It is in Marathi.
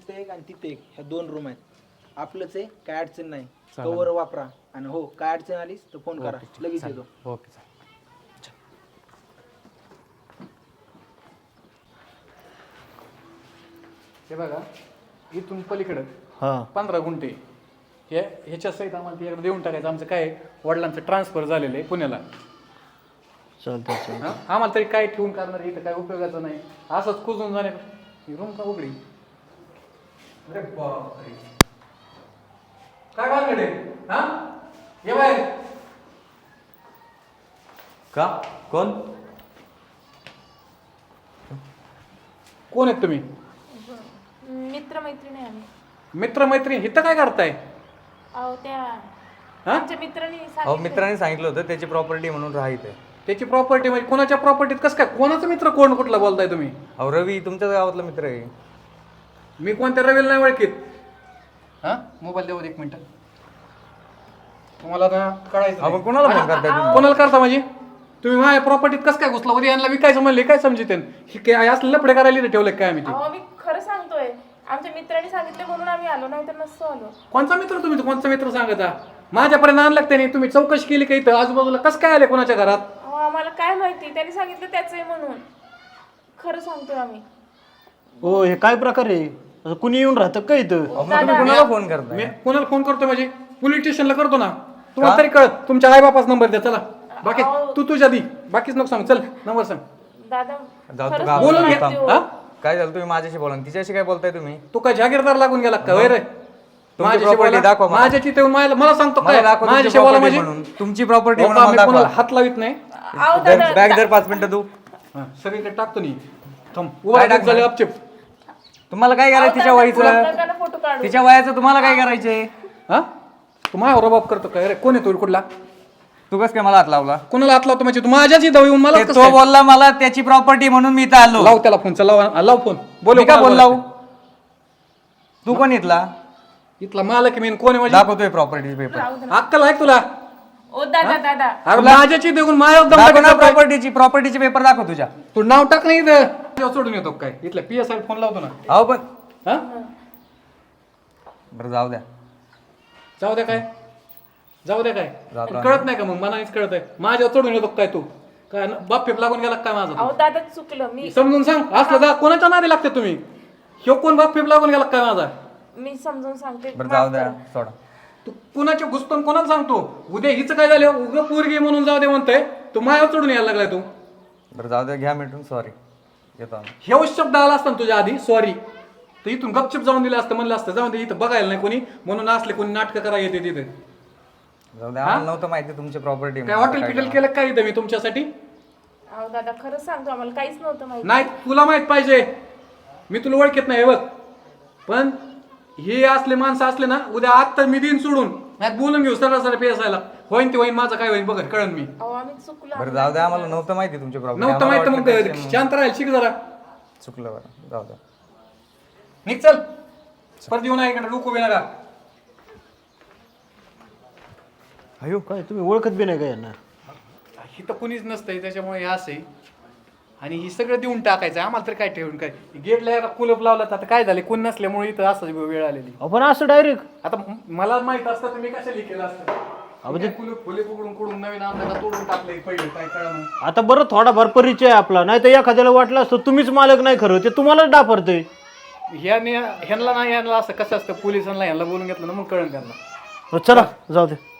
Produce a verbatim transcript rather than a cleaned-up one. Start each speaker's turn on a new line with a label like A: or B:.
A: तिथे एक आणि तिथे एक, ह्या दोन रूम आहेत. आपलंच आहे, काय अडचण नाही. कवर वापरा आणि हो काय अडचण आलीस तर फोन करा, लगेच येतो.
B: ओके चालेल. हे बघा इथून पलीकडं
C: हां
B: पंधरा गुंठे हे ह्याच्या सहित आम्हाला ते एकदा देऊन टाकायचं. आमचं काय आहे, वडिलांचं ट्रान्सफर झालेलं आहे पुण्याला.
C: चालतंय चालतंय.
B: हा? आम्हाला तरी काय ठेवून करणार, इथं काय उपयोगाचं नाही. असंच कुजून जाणे. ही रूम का उघडी? अरे बापरे, काय भानगडे? हा ये बाहेर.
D: का कोण
B: कोण आहेत तुम्ही?
E: मित्र मैत्रिणी आहे आम्ही.
B: मित्र मैत्रीण इथं काय करताय?
E: अहो त्या
B: हा?
E: आमच्या मित्रांनी
D: अहो
E: सांगितलं.
D: मित्रांनी सांगितलं होतं त्याची प्रॉपर्टी म्हणून राहायचंय.
B: त्याची प्रॉपर्टी म्हणजे कोणाच्या प्रॉपर्टीत कसं काय? कोणाचा मित्र कोण कुठला बोलताय तुम्ही?
D: अहो रवी तुमच्याच गावातला मित्र आहे.
B: मी कोणत्या रवीला नाही ओळखीत. हा मोबाईल देऊ दे एक मिनिट. तुम्हाला ना कळायचं
D: आपण कोणाला फोन करताय तुम्ही?
B: कोणाला करता म्हणजे? तुम्ही माझ्या प्रॉपर्टीत कसं काय घुसला? उद्या यांना विकायचं म्हणले काय समजते? हे काय असलं लफडे करायला ठेवलं काय आम्ही ते?
E: अहो मी खरं सांगतोय, आमच्या मित्रांनी सांगितलं म्हणून आम्ही आलो, नाही तर नसतो आलो.
B: कोणचा मित्र तुम्ही? कोणचा मित्र सांगता? माझ्यापर्यंत आणलं त्याने. तुम्ही चौकशी केली का इथं आजूबाजूला कसं काय आले कोणाच्या घरात?
E: अहो आम्हाला काय माहिती, त्यांनी सांगितलं त्याचं आहे म्हणून. खरं सांगतोय आम्ही.
C: हो हे काय प्रकार आहे? असं कुणी येऊन राहतं का इथं?
D: अहो, मग तुम्ही कोणाला फोन करताय?
B: मी कोणाला फोन करतो म्हणजे पोलीस स्टेशनला करतो ना. तुम्हाला तरी कळत. तुमच्या आई बापाच नंबर द्या. चला बाकी तू तुझ्या दी, बाकीच नको सांग. चल नंबर सांग.
E: दादा
D: जाऊ तू
E: खरंच
D: गावात.
B: बोलून घे.
E: माहिती हो.
B: हा?
D: काय झालं तुम्ही माझ्याशी बोला ना. तिच्याशी काय बोलताय तुम्ही?
B: तू काय जागीरदार लागून गेला का? वय रे माझ्याशी
D: property
B: बोला.
D: दाखवा मला.
B: माझ्याची ते मला मला सांगतो
D: मला
B: काय?
D: दाखवा तुमची
B: माझ्याशी बोला
D: property
B: म्हणजे
D: म्हणून. तुमची प्रॉपर्टी
B: हो का, मी
D: म्हणून
B: कोणाला
D: दाखवा.
B: हात लावित नाही.
E: अहो दादा
D: बॅग दर पाच मिनिटं तू.
B: हा, सगळीकडे टाकतो नी. थांब उभा राहा, झाले अपचिप.
D: तुम्हाला काय करायचं तिच्या वयाचं?
E: फोटो काढू.
D: तिच्या वयाचं तुम्हाला काय करायचंय?
B: हा तू माझ्यावर बाप करतो काय रे? कोण येतो कुठला?
D: तू कस काय मला हात लावला?
B: कोणाला हात लावतो म्हणजे? तू माझ्याच इथं येऊन मला
D: ते
B: कसं
D: तो
B: काय?
D: बोलला मला त्याची प्रॉपर्टी म्हणून मी इथं आलो.
B: लाव त्याला फोन. चला लाव, लाव फोन. बोल
D: मी का बोलला? तू कोण इथला?
B: इथला मालक मी कोण आहे म्हणजे?
D: दाखवतोय प्रॉपर्टी पेपर.
B: अक्कल आहे का तुला?
E: ओ दादा दादा
B: अरे माझ्याची देऊन माझ्या दम
D: दाखव ना
B: टाकायचा काय?
D: प्रॉपर्टीची प्रॉपर्टीचे पेपर दाखव तुझ्या.
B: तू नाव टाक नाही इथं. तुझ्यावर सोडून येतो काय? इथल्या पी एस आय फोन लावतो ना.
D: अहो पण
B: हा
D: बरं जाऊ द्या.
B: जाऊ द्या काय? जाऊ द्या काय?
D: जातो
B: आणि कळत नाही का मग? मनानेच कळत आहे. माझ्यावर चढून येतो काय तू? काय बाप फेप लागून गेला काय माझा?
E: अहो दादा चुकलं. मी
B: समजून सांग. असलं जा कोणाच्या नादी लागते तुम्ही? ह्यो कोण बाप फेप लागून गेला काय माझा?
E: मी समजून सांगते.
D: बरं जाऊ द्या सोडा.
B: तू कुणाच्या घुसतो कोणाला सांगतो? उद्या हिचं काय झालं? उगं पोरगी म्हणून जाऊ दे म्हणतोय. तू माझ्यावर चढून यायला लागलाय तू.
D: बरं जाऊ द्या घ्या मिटून. सॉरी येतो आम्ही.
B: हे शब्द आला असता ना तुझ्या आधी सॉरी, तर इथून गपचूप जाऊन दिलं असतं. म्हणलं असतं जाऊन दे, इथं बघायला नाही कोणी म्हणून असले कोणी नाटकं करायला येते तिथे.
D: जाऊ द्या आम्हाला नव्हतं माहिती तुमची प्रॉपर्टी.
B: काय हॉटेल पिटेल केलं काय इथं मी तुमच्यासाठी?
E: अहो दादा खरंच सांगतो, आम्हाला काहीच नव्हतं माहिती.
B: नाही तुला माहित पाहिजे. मी तुला ओळखत नाही बघ. पण हे असले माणसं असले ना उद्या आत्ता मी दिन सोडून नाही बोलून घेऊ सरळ सरळ पेसायला. होईन ते होईन, माझं काय होईन बघ कळन मी.
E: अहो आम्ही चुकलो.
D: बरं जाऊ द्या आम्हाला नव्हतं माहिती तुमची प्रॉपर्टी.
B: नव्हतं माहित मग शांत राहील शिक जरा.
D: चुकलं बरं जाऊ द्या.
B: निघ चल. परत येऊ नाही इकडे डोकू बी नका.
C: अयो काय तुम्ही ओळखत बी नाही का यांना?
B: इथं कुणीच नसतंय त्याच्यामुळे हे असं आहे. आणि ही सगळं देऊन टाकायचं आम्हाला तर काय ठेवून काय? गेटला कुलप लावला तर आता काय झाले? कोण नसल्यामुळे इथं असं वेळ आलेली.
C: आपण असं डायरेक्ट
B: आता म- मला माहित असतं तर मी कशाला केलं असतं?
C: म्हणजे
B: कुलप फुले पकडून कुडून नवीन आमदार तोडून टाकले पहिले काय कळलं.
C: आता बरं थोडाफार परिचय आहे आपला, नाही तर एखाद्याला वाटलं असतं तुम्हीच मालक नाही खरं, ते तुम्हालाच डाफरतंय.
B: ह्याने ह्यांना नाही ह्यांना असं कसं असतं पोलिसांना ह्यांना बोलून घेतलं ना मग कळण त्यांना.
C: चला जाऊ दे.